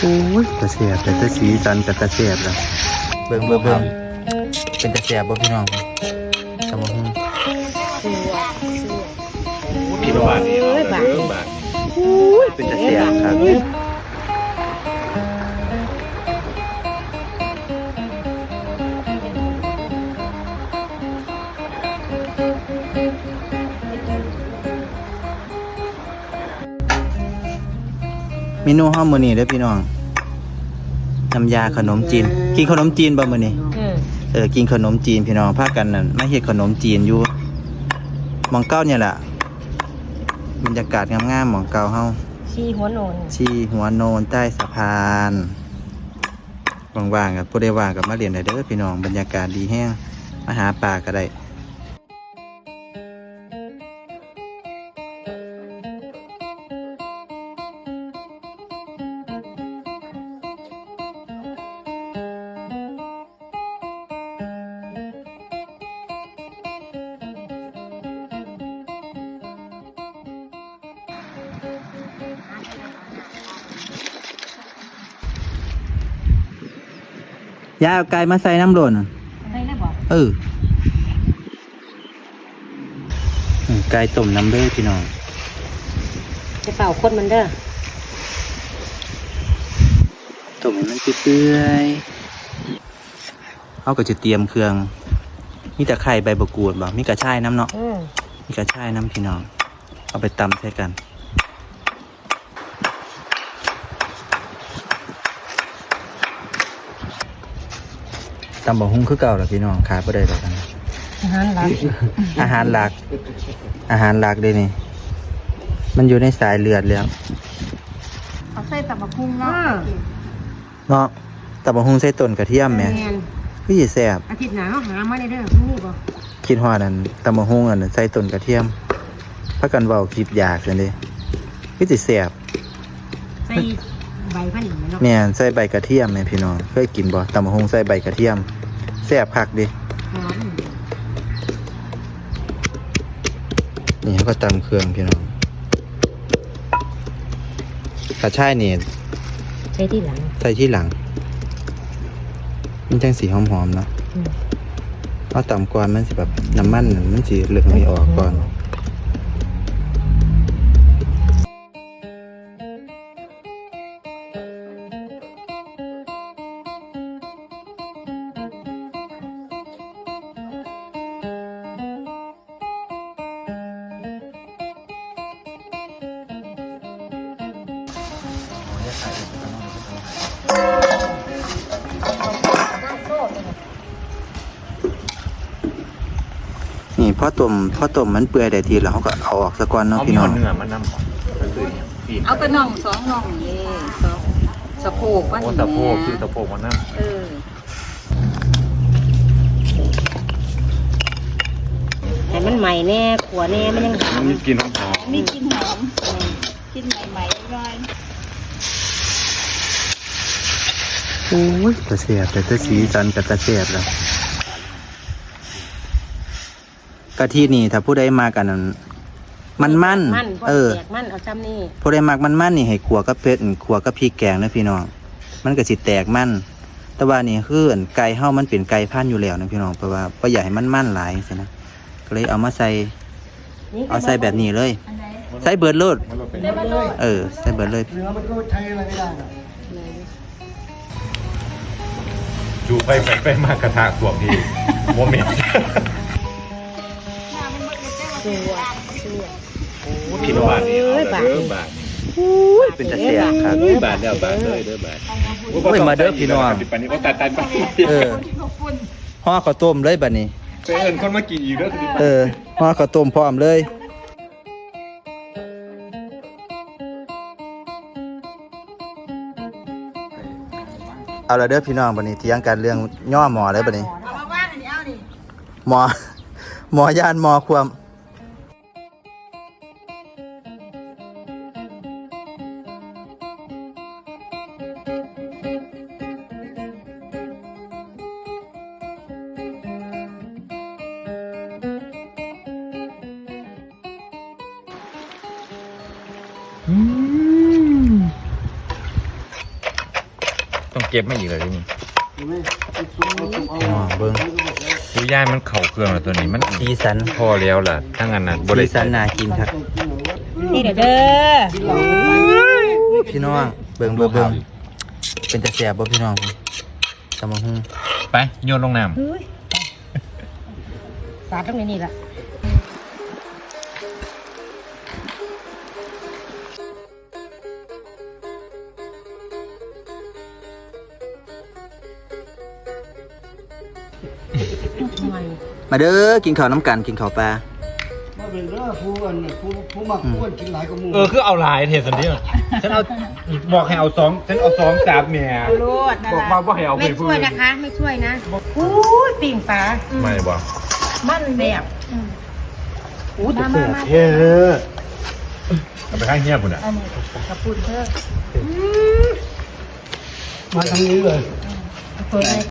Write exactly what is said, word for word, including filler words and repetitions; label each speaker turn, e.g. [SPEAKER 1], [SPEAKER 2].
[SPEAKER 1] โอ้ยตะเสียบแต่ตะสีสันกับตะเสียบแล้วเบิ่งเบิ่งเบิ่งเป็นตะเสียบบ่พี่น้องตะบ่ฮู้พี่น้องเอ้ยบาดโอ้ยเป็นตะเสียบครับเมนูห้อมมื้อนี้เด้อพี่น้องน้ำยาขนมจีนกินขนมจีนบ่มื้อนี้เออกินขนมจีนพี่น้องพากันนั่นมาเฮ็ดขนมจีนอยู่หม่องเก้าเนี่ยล่ะบรรยากาศงามๆหม่องเก้าเฮาชีหัวโนนชีหัวโนนใต้สะพานว่างๆกับผู้ใดว่างกับมาเรียนได้เด้อพี่น้องบรรยากาศดีแฮงมาหาปลาก็ได้ยาเอาไก่มาใส่น้ำโดนใส่แล้วบ่เออไก่ต้มน้ำเด้อพี่น้องจะเป่าคนมันเด้อต้มให้มันเปื่อยๆเขาก็จะเตรียมเครื่องมีแต่ไข่ใบบักกูดบ่มีกระชายน้ำเนาะมีกระชายน้ำพี่น้องเอาไปตำใส่กันตำบ่หุ้งคือเก่าแล้วพี่น้องขายบ่ได้แล้วกันอาหารหลักอาหารหลักอาหารหลักเลยนี่มันอยู่ในสายเลือดแล้ว
[SPEAKER 2] เอาใส่ตำบักหุ่งเนาะ
[SPEAKER 1] เนาะตำบ่หุ้งใส่ต้นกระเทียมแหมคือสิแซ่บ
[SPEAKER 2] อาทิตย์หน้าเฮาหามาได้เด้อนี่บ่
[SPEAKER 1] คิดฮอดอันตำบ่หุ้งอันใส่ต้นกระเทียมพากันเว้าคิดอยากซั่นเด้คือสิแซ่บ
[SPEAKER 2] ใส่ใบพันธุ์เนาะ
[SPEAKER 1] แม่นใส่ใบกระเทียมแม่พี่น้องเคยกินบ่ตำบ่หุ้งใส่ใบกระเทียมแซ่บคักดินี่เขาก็ตำเครื่องพี่น้องกระชายนี่
[SPEAKER 2] ใส่ที่หลัง
[SPEAKER 1] ใส่ที่หลังมันจังสีหอมๆเนาะเอาตำก่อนมันสิแบบน้ำมันมันสิเหลืองไม่ออกก่อนนี่พอต้มพอต้มมันเปื่อยได้ทีแล้วเขาก็เอาออกซะก่อนเนาะพี่น้อง
[SPEAKER 3] เอาเนื้อมันนำ
[SPEAKER 2] เอาแต่น่องสองน่องนี่สองสะโพกว่านี่
[SPEAKER 3] สะโพกคือสะโพกมันนำ
[SPEAKER 2] เออแต่มันใหม่แน่ขัวแน่มันยังหอม
[SPEAKER 3] มีกลิ่นหอม
[SPEAKER 2] มีกลิ่นหอมกลิ่นใหม่ๆหน่อย
[SPEAKER 1] โอ้ยตะเสียบแต่ตะสีสันกับตะเสียบแล้วกะทินี่ถ้าผู้ใดมากันนั้นมันมันเออ
[SPEAKER 2] มันเอาซ้ำนี่
[SPEAKER 1] ผู้ใดมักมันมันนี่ให้ขัวกับเผ็ดขัวกับพริกแกงนะพี่น้องมันก็สิแตกมันแต่ว่านี่คือไก่เฮามันเป็นไก่พันธุ์อยู่แล้วนะพี่น้องเพราะว่าบ่อยากให้มันมันหลายจังซี่นะก็เลยเอามาใส่เอาใส่แบบนี้เลยใส่เบิดโลดเออใส่เบิดเลย
[SPEAKER 4] เนื้อมันก็ใช้อะไรไม่ได้นะ
[SPEAKER 3] จูไปไปไปมากระทะตัวพี่โมเมนต์พี่น้องเอ้ยบาทบาท
[SPEAKER 1] เป็นตะเสียบครับ
[SPEAKER 3] บาทเดียวบาทเลยเด้อบาท
[SPEAKER 1] โอ้ยมาเด้อพี่น้อง
[SPEAKER 3] ปันนี้ก็ตัดตันไป
[SPEAKER 1] เออห่อข้าวต้มเลยบัดนี้
[SPEAKER 3] เอิ้นคนมากินอีกเด้อ
[SPEAKER 1] เออห่อข้าวต้มพร้อมเลยเอาละเด้อพี่น้องบัดนี้เถียงกันเรื่องย่อหมอเลยบัดนี้หมอหมอย่านหมอความ
[SPEAKER 3] ต้องเก็บมาอีกเลยทีนี้
[SPEAKER 4] เห็นไหมไอ้ซุปเอาซุปเอา
[SPEAKER 1] อ๋อเบิ่ง
[SPEAKER 3] ดูย่ายมันเข่าเครื่องแล้วตัวนี้มัน
[SPEAKER 1] สีสัน
[SPEAKER 3] พอแล้วล่ะทั้งอันนั้นบ่
[SPEAKER 1] สี
[SPEAKER 3] ได้
[SPEAKER 1] สันน่ากินครับ
[SPEAKER 2] นี่เด้อเด้อ
[SPEAKER 1] พี่น้องเบิ่งเบิ่งเบิ่งเป็นตะแสบบ่พี่น้องตำบักหุ่ง
[SPEAKER 3] ไปโยนลงน้
[SPEAKER 2] เฮ้ยสาดตรงนี้นี่ล่ะ
[SPEAKER 1] มาเด้อกินข้าวน้ำกันกินข้าวปลา
[SPEAKER 4] มาเป็นเรื่องผู้อันผู้ผู้มักผู้อันกินหลายกว่าหมู่
[SPEAKER 3] ำเออคือเอาลายเทสันนี้ฉันเอาบอกให้เอาสองฉันเอาสองสามเมีย
[SPEAKER 2] โลดนั่น
[SPEAKER 3] บอก
[SPEAKER 2] ล่ะ
[SPEAKER 3] ว่าบ่ให้เอาไป
[SPEAKER 2] ไม่
[SPEAKER 3] พูด
[SPEAKER 2] ช่วยนะคะ ไม่ช่วยนะอู้ยปิ่งปลา
[SPEAKER 3] ไม่บอก
[SPEAKER 2] มันแบบอู้มามามา
[SPEAKER 3] เฮ้เอาไปข้างเงียบคุณอ่ะ
[SPEAKER 2] อันนี้กระปุนเถอะ
[SPEAKER 4] มาทางนี้เลย
[SPEAKER 2] เปิดเลย